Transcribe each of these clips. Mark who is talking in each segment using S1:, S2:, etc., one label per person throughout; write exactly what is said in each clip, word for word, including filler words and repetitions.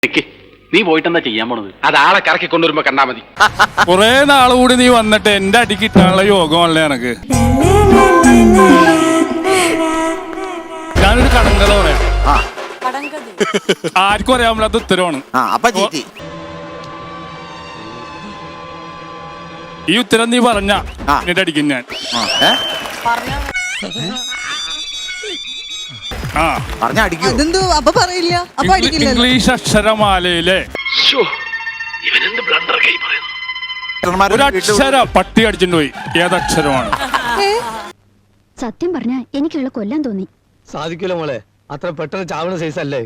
S1: നീ പോയിട്ട് എന്താ ചെയ്യാൻ പോണത്?
S2: അത് ആളെ കറക്കി കൊണ്ടുവരുമ്പോ കണ്ടാ മതി.
S3: കൊറേ നാള് കൂടി നീ വന്നിട്ട് എന്റെ അടി കിട്ടാനുള്ള യോഗമല്ലേ എനക്ക്. ഞാനൊരു കടങ്കഥ പറയാം. ആർക്കും അറിയാൻ പറ്റാത്ത ഉത്തരവാണ്. ഈ ഉത്തരം നീ പറഞ്ഞ എന്നിട്ട് അടിക്കും ഞാൻ. ഇംഗ്ലീഷ് അക്ഷരമാലയിലെ ഒരു അക്ഷര പട്ടി അടിച്ചിട്ട് പോയി. ഏതക്ഷരമാണ്?
S4: സത്യം പറഞ്ഞ എനിക്കുള്ള കൊല്ലാൻ തോന്നി.
S5: സാധിക്കൂല മോളെ, അത്ര പെട്ടെന്ന് ചാവണ സൈസ് അല്ലേ.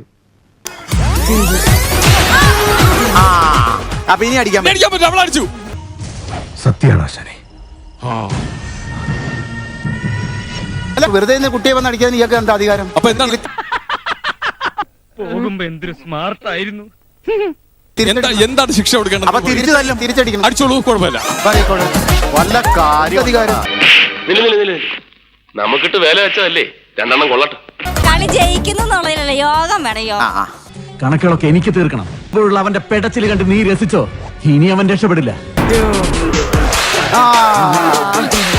S6: വെറുതെ കുട്ടിയെ വന്ന് അടിക്കാൻ ഇയാൾക്ക് എന്താ അധികാരം?
S3: അപ്പൊ എന്താണ്
S7: പോകുമ്പോ എന്തൊരു സ്മാർട്ട് ആയിരുന്നു.
S3: എന്താണ് ശിക്ഷ കൊടുക്കേണ്ടത്?
S6: അപ്പൊ തിരിച്ചു തല്ലും, തിരിച്ചടിക്കണം.
S3: അടിച്ചോളൂ, കുഴപ്പമില്ല.
S6: വല്ല കാര്യം അധികാരം.
S2: നമുക്കിട്ട് വേല വെച്ചതല്ലേ, രണ്ടെണ്ണം കൊള്ളട്ടെ.
S8: കളി ജയിക്കുന്നുള്ളതിലല്ലേ യോഗം വേണം. യോഗം
S5: കണക്കുകളൊക്കെ എനിക്ക് തീർക്കണം. ഇപ്പോഴുള്ള അവന്റെ പെടച്ചിൽ കണ്ട് നീ രസിച്ചോ? ഇനി അവൻ രക്ഷപ്പെടില്ല.